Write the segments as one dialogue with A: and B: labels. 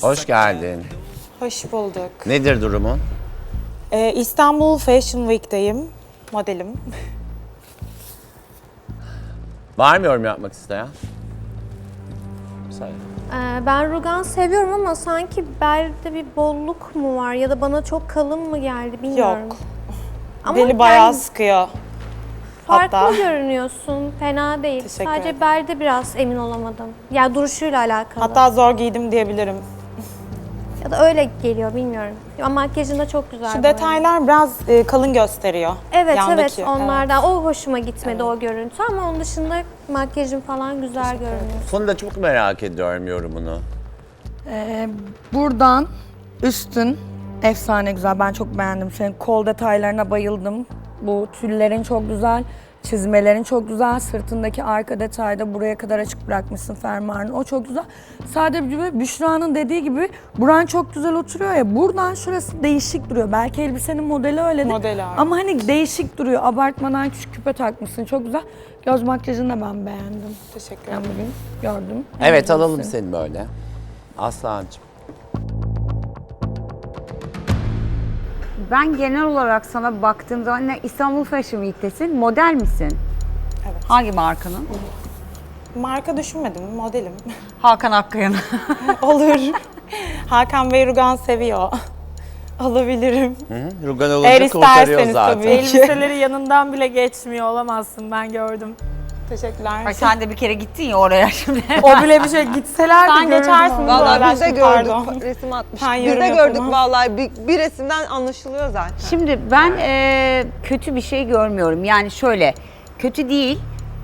A: Hoş geldin.
B: Hoş bulduk.
A: Nedir durumun?
B: İstanbul Fashion Week'teyim. Modelim.
A: Var mı yorum yapmak isteyen? Söyle.
C: Ben rugan seviyorum ama sanki belde bir bolluk mu var ya da bana çok kalın mı geldi bilmiyorum.
B: Yok.
C: Ama
B: Beni bayağı
C: yani
B: sıkıyor.
C: farklı
B: hatta.
C: görünüyorsun, fena değil.
B: Teşekkür
C: Sadece
B: ederim.
C: belde biraz emin olamadım. Ya duruşuyla alakalı.
B: Hatta zor giydim diyebilirim.
C: ya da öyle geliyor bilmiyorum. Ama makyajın da çok güzel.
B: Şu
C: bu arada.
B: detaylar biraz kalın gösteriyor.
C: Evet
B: Yandaki,
C: evet onlardan. O hoşuma gitmedi o görüntü ama onun dışında makyajın falan güzel görünüyor.
A: Funda çok merak ediyorum yorumunu.
D: Buradan üstün efsane güzel. Ben çok beğendim. Senin kol detaylarına bayıldım. Bu tüllerin çok güzel. Çizmelerin çok güzel. Sırtındaki arka detayda buraya kadar açık bırakmışsın fermuarını. O çok güzel. Sadece Büşra'nın dediği gibi buran çok güzel oturuyor ya. Buradan şurası değişik duruyor. Belki elbisenin modeli öyledir.
B: Modeli öyle.
D: Ama hani değişik duruyor. Abartmadan küçük küpe takmışsın. Çok güzel. Göz makyajını da ben beğendim.
B: Teşekkür
D: Ben
B: ederim.
D: bugün gördüm.
A: Evet
D: Beğendim
A: alalım
D: seni.
A: seni böyle. Aslancığım.
E: Ben genel olarak sana baktığım zaman İstanbul Fashion Week'tesin. Model misin?
B: Evet.
E: Hangi markanın?
B: Marka düşünmedim, modelim.
E: Hakan Akkaya'nın.
B: Olur. Hakan Bey rugan seviyor. Alabilirim.
A: Hı? Rugan
B: Eğer
A: olunca kurtarıyor
B: isterseniz
A: zaten.
B: tabii ki.
F: Elbiseleri yanından bile geçmiyor olamazsın, ben gördüm.
B: Teşekkürler.
E: Ay sen de bir kere gittin ya oraya şimdi.
F: O bile bir şey gitseler
B: Sen geçersin.
G: Vallahi biz de
B: aşkım,
G: gördük,
B: pardon.
G: resim atmış.
B: Ben
G: Biz
B: yorum
G: de gördük
B: yapamam.
G: vallahi bir resimden anlaşılıyor zaten.
E: Şimdi ben kötü bir şey görmüyorum. Yani şöyle, kötü değil,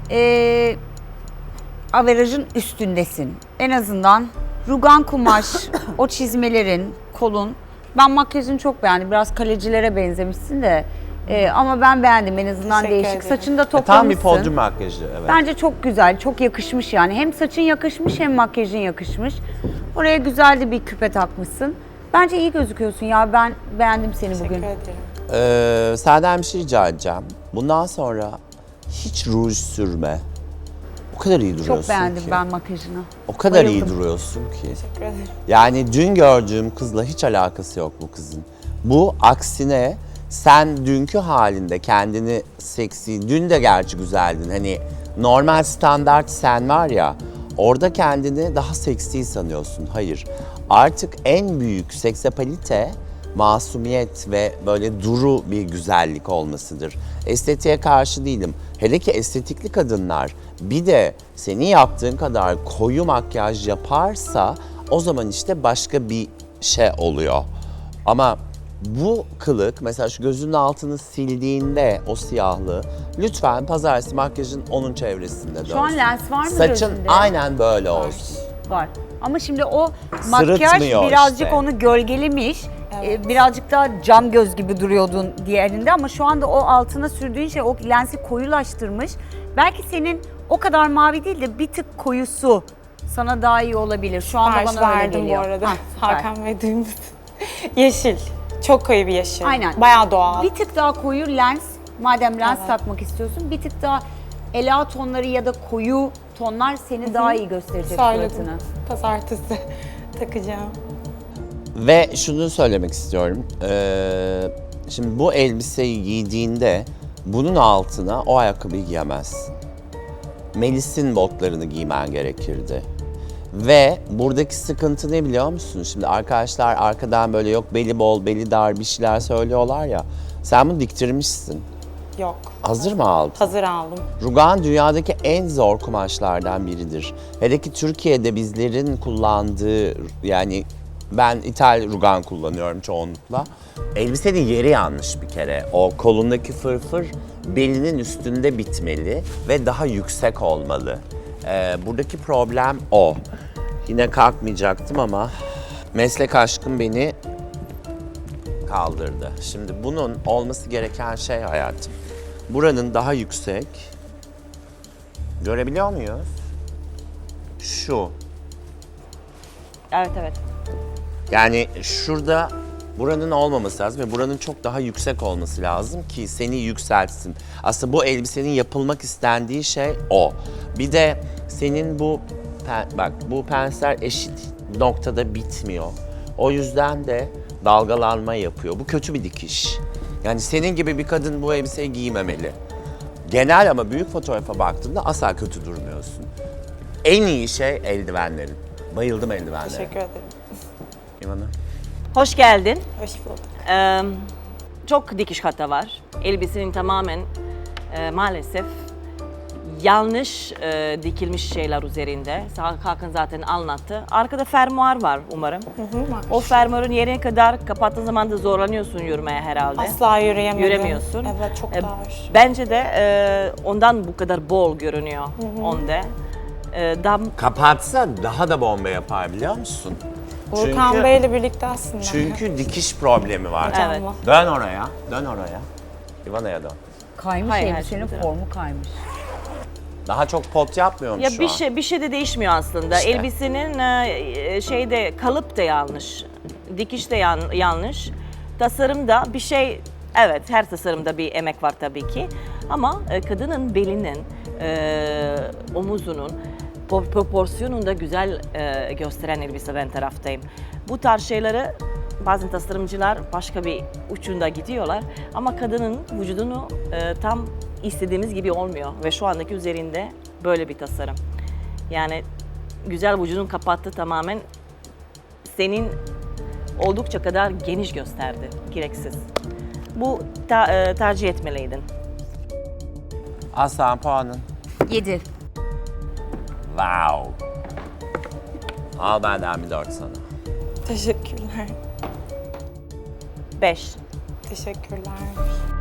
E: averajın üstündesin. En azından rugan kumaş, o çizmelerin, kolun. Ben makyajını çok beğendim. Biraz kalecilere benzemişsin de. Ama ben beğendim en azından
B: Teşekkür
E: değişik.
B: ederim.
E: Saçını da
A: Tam bir
E: toplamışsın.
A: podyum makyajı. Evet.
E: Bence çok güzel, çok yakışmış yani. Hem saçın yakışmış hem makyajın yakışmış. Oraya güzel de bir küpe takmışsın. Bence iyi gözüküyorsun ya. Ben beğendim seni
B: Teşekkür
E: bugün.
B: ederim.
A: Senden bir şey rica edeceğim. Bundan sonra hiç ruj sürme. O kadar iyi duruyorsun
E: Çok beğendim
A: ki.
E: ben makyajını.
A: O kadar iyi
E: Bayıldım.
A: duruyorsun ki.
B: Teşekkür ederim.
A: Yani dün gördüğüm kızla hiç alakası yok bu kızın. Bu aksine sen dünkü halinde kendini seksi, dün de gerçi güzeldin. Hani normal standart sen var ya, orada kendini daha seksi sanıyorsun. Hayır. Artık en büyük seksapalite masumiyet ve böyle duru bir güzellik olmasıdır. Estetiğe karşı değilim. Hele ki estetikli kadınlar bir de senin yaptığın kadar koyu makyaj yaparsa o zaman işte başka bir şey oluyor. Ama bu kılık mesela şu gözünün altını sildiğinde o siyahlığı lütfen pazartesi makyajın onun çevresinde dönsün.
E: Şu an lens var mı
A: Saçın
E: gözünde?
A: aynen böyle olsun.
E: Var. Ama şimdi o makyaj
A: Sırıtmıyor
E: birazcık
A: işte.
E: onu gölgelemiş. Birazcık daha cam göz gibi duruyordun diğerinde ama şu anda o altına sürdüğün şey o lensi koyulaştırmış. Belki senin o kadar mavi değil de bir tık koyusu sana daha iyi olabilir. Şu anda
B: Sipariş
E: bana öyle
B: verdim bu
E: geliyor.
B: arada.
E: Ha, süper.
B: Hakan Bey duymuş. Yeşil. Çok koyu bir yeşil.
E: Aynen.
B: Bayağı doğal.
E: Bir tık daha koyu lens, madem lens takmak istiyorsun, bir tık daha ela tonları ya da koyu tonlar seni daha iyi gösterecek
B: Söyledim.
E: suratını.
B: Pazartesi takacağım.
A: Ve şunu söylemek istiyorum. Şimdi bu elbiseyi giydiğinde bunun altına o ayakkabıyı giyemezsin. Melis'in botlarını giymen gerekirdi. Ve buradaki sıkıntı ne biliyor musun? Şimdi arkadaşlar arkadan böyle yok beli bol, beli dar bir şeyler söylüyorlar ya. Sen bunu diktirmişsin.
B: Yok.
A: Hazır mı aldın?
B: Hazır aldım.
A: Rugan dünyadaki en zor kumaşlardan biridir. Hele ki Türkiye'de bizlerin kullandığı, yani ben ithal rugan kullanıyorum çoğunlukla. Elbisenin yeri yanlış bir kere. O kolundaki fırfır belinin üstünde bitmeli ve daha yüksek olmalı. Buradaki problem o. Yine kalkmayacaktım ama meslek aşkım beni kaldırdı. Şimdi bunun olması gereken şey hayatım. Buranın daha yüksek. Görebiliyor muyuz? Şu.
E: Evet evet.
A: Yani şurada buranın olmaması lazım ve buranın çok daha yüksek olması lazım ki seni yükseltsin. Aslında bu elbisenin yapılmak istendiği şey o. Bir de senin bu bak bu pensler eşit noktada bitmiyor. O yüzden de dalgalanma yapıyor. Bu kötü bir dikiş. Yani senin gibi bir kadın bu elbiseyi giymemeli. Genel ama büyük fotoğrafa baktığımda asla kötü durmuyorsun. En iyi şey eldivenlerin. Bayıldım eldivenlere.
B: Teşekkür ederim.
A: İvana.
H: Hoş geldin.
B: Hoş bulduk.
H: Çok dikiş hata var. Elbisenin tamamen maalesef yanlış dikilmiş şeyler üzerinde. Hakan zaten anlattı. Arkada fermuar var umarım. O fermuarın yerine kadar kapattığın zaman da zorlanıyorsun yürümeye herhalde.
B: Asla yürüyemedim.
H: Yüremiyorsun.
B: Evet, çok dar.
H: Bence de ondan bu kadar bol görünüyor onda. Daha
A: Kapatsa daha da bomba yapar biliyor musun?
B: Volkan Bey'le birlikte aslında.
A: Çünkü dikiş problemi var.
H: Evet.
A: Dön oraya, dön oraya. İvana'ya dön.
E: Kaymış
H: Hayır, her
E: elbisenin
H: şey güzel.
E: formu kaymış.
A: Daha çok pot yapmıyormuş
H: ya
A: şu
H: bir
A: an.
H: bir şey de değişmiyor aslında.
A: İşte.
H: Elbisenin şeyde kalıp da yanlış. Dikiş de yanlış. Tasarımda bir şey, evet her tasarımda bir emek var tabii ki. Ama kadının belinin, omuzunun proporsiyonunu da güzel gösteren elbise ben taraftayım. Bu tarz şeyleri bazen tasarımcılar başka bir ucunda gidiyorlar. Ama kadının vücudunu tam istediğimiz gibi olmuyor. Ve şu andaki üzerinde böyle bir tasarım. Yani güzel vücudun kapattı tamamen senin oldukça kadar geniş gösterdi. Gereksiz. Bu tercih etmeliydin.
A: Aslan puanın.
E: 7.
A: Wow. Al benden bir 4 sana.
B: Teşekkürler.
H: 5.
B: Teşekkürler.